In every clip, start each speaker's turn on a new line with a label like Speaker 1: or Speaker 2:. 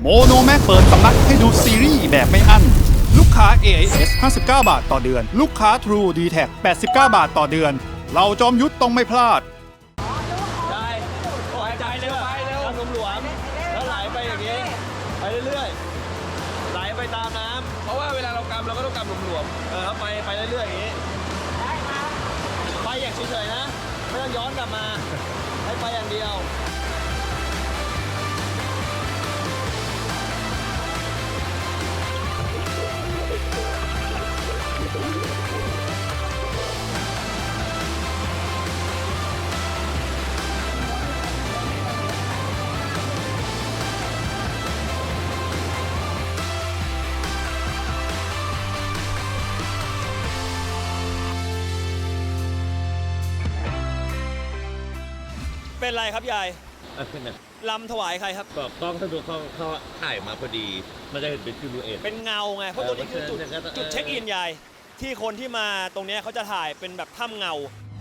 Speaker 1: โมโนแม็กเปิดสำนักให้ดูซีรีส์แบบไม่อั้นลูกค้า AIS 59 บาทต่อเดือนลูกค้า True d t a c 89 บาทต่อเดือนเราจอมยุทธต้องไม่พลาด
Speaker 2: ได้ไปเร็วหลวมๆแล้วไหลไปอย่างนี้ไปเรื่อยๆไหลไปตามน้ำเพราะว่าเวลาเรากำเราก็ต้องกำหลวมๆไปเรื่อยๆอย่างนี้ไปอย่างเฉยๆนะไม่ต้องย้อนกลับมาให้ไปอย่างเดียวเป็นไรครับยายลำถวายใครครับ
Speaker 3: ก็กล้องสะดวกเขาถ่ายมาพอดีมันจะเห็นเป็นซิลูเอต
Speaker 2: เป็นเงาไงเพราะตัวนี้คือจุดเช็คอินยายที่คนที่มาตรงนี้เขาจะถ่ายเป็นแบบถ้ำเงา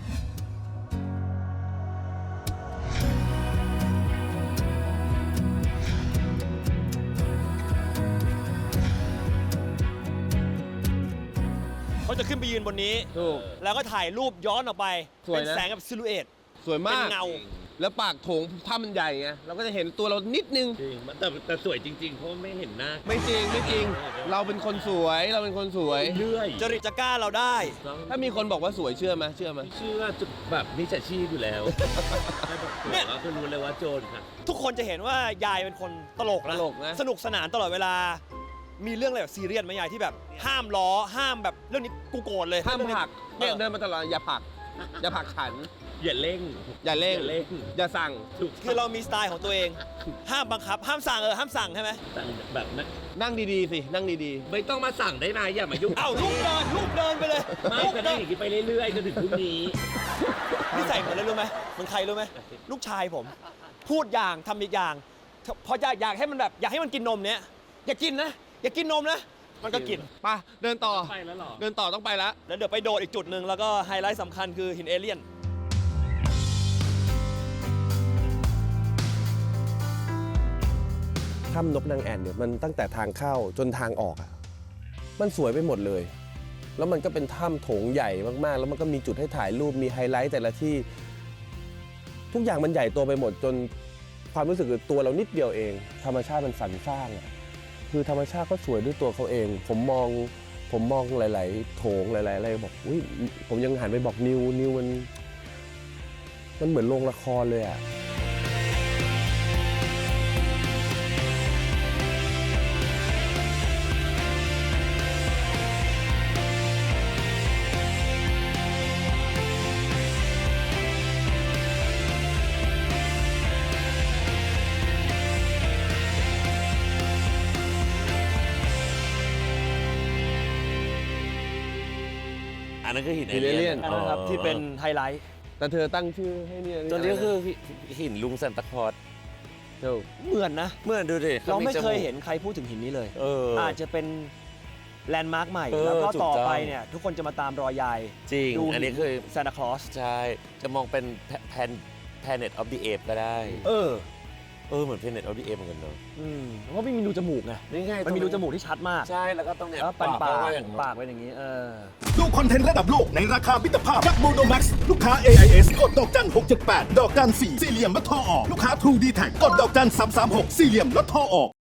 Speaker 2: เขาจะขึ้นไปยืนบนนี้แล้วก็ถ่ายรูปย้อนออกไปเป็นแสงกับซิลูเอต
Speaker 4: สวยมาก
Speaker 2: เป็นเงา
Speaker 4: แล้วปากโถงถ้ามันใหญ่ไงเราก็จะเห็นตัวเรานิดนึง
Speaker 3: จริงแต่สวยจริงๆเพราะไม่เห็นหน้า
Speaker 4: ไม่จริงเราเป็นคนสวย
Speaker 3: เรื่อย
Speaker 2: จริตจักร้าเราได้
Speaker 4: ถ้ามีคนบอกว่าสวยเชื่อไหม
Speaker 3: เชื่อแบบมิจฉาชีพอยู่แล้วเนี่ยเราก็รู้เลยว่าโจรค่ะ
Speaker 2: ทุกคนจะเห็นว่ายายเป็นคนตลกนะสนุกสนานตลอดเวลามีเรื่องอะไรแบบซีเรียสไหมยายที่แบบห้ามล้อห้ามแบบเรื่องนี้กูโกรธเลย
Speaker 4: ห้ามผลักเนี่ยเดินมาตลอดอย่าผลักขัน
Speaker 3: อย่าเร่ง
Speaker 4: อย่าสั่ง
Speaker 2: คือเรามีสไตล์ของตัวเองห้ามบังคับห้ามสั่งห้ามสั่งใช่ไหม
Speaker 3: แบบนั้น
Speaker 4: นั่งดีๆสินั่งดี
Speaker 3: ๆไม่ต้องมาสั่งได้ไหมอย่ามายุ่ง
Speaker 2: ลูกเดินไปเลย
Speaker 3: ไม่ก็ได้อย่างนี้ไปเรื่อยๆจนถึงพรุ่งนี้
Speaker 2: นี่ใส่เหมือนอะไรรู้ไหมเหมือนใครรู้ไหมลูกชายผมพูดอย่างทำอีกอย่างพออยากให้มันแบบอยากให้มันกินนมเนี้ยอย่ากินนะอย่ากินนมนะมันก็กิน
Speaker 4: ไปเดินต่อ
Speaker 3: ไปแล้วหรอ
Speaker 4: เดินต่อต้องไปแล้ว
Speaker 2: เดี๋ยวไปโดดอีกจุดหนึ่งแล้วก็ไฮไลท์สำคัญคือหินเอเลี่ยน
Speaker 4: ถ้ำนกนางแอ่นเนี่ยมันตั้งแต่ทางเข้าจนทางออกอ่ะมันสวยไปหมดเลยแล้วมันก็เป็นถ้ำโถงใหญ่มากๆแล้วมันก็มีจุดให้ถ่ายรูปมีไฮไลท์แต่ละที่ทุกอย่างมันใหญ่โตไปหมดจนความรู้สึกคือตัวเรานิดเดียวเองธรรมชาติมันสรรสร้างคือธรรมชาติก็สวยด้วยตัวเขาเองผมมองหลายๆโถงหลายๆอะไรบอกอุ้ยผมยังหันไปบอกนิวมันเหมือนโรงละครเลยอ่ะ
Speaker 3: อันนั้นคือหินเอ
Speaker 4: เลี่
Speaker 3: ย
Speaker 4: น
Speaker 2: นะครับที่เป็นไฮไลท์
Speaker 4: แต่เธอตั้งชื่อให้เนี่ย
Speaker 3: ตัวนี้คือหินลุงซันตาคลอส
Speaker 2: เหมือนนะ
Speaker 3: เหมือนดูดิ
Speaker 2: เราไม่เคยเห็นใครพูดถึงหินนี้เลยอาจจะเป็นแลนด์มาร์คใหม่แล้วก็ต่อไปเนี่ยทุกคนจะมาตามรอยยาย
Speaker 3: จริงอันนี้คือ
Speaker 2: ซานตาคลอส
Speaker 3: ใช่จะมองเป็นPlanet of the Apes ก็ได้เหมือน Planet of the Apes เหมือนกันเนอะ
Speaker 2: เพราะไม่มีรูจมูกไงมันมีรูจมูกที่ชัดมาก
Speaker 3: ใช่แล้วก็ตรงเนี้ย
Speaker 2: ปากเป็นอย่างนี้
Speaker 1: ดูคอนเทนต์ระดับโลกในราคามิตรภาพกับโมโนแม็กซ์ลูกค้า AIS กดดอกจัน678ดอกจัน4สี่เหลี่ยมลดท่อออกลูกค้า True d t a c กดดอกจัน336สี่เหลี่ยมลดท่อออก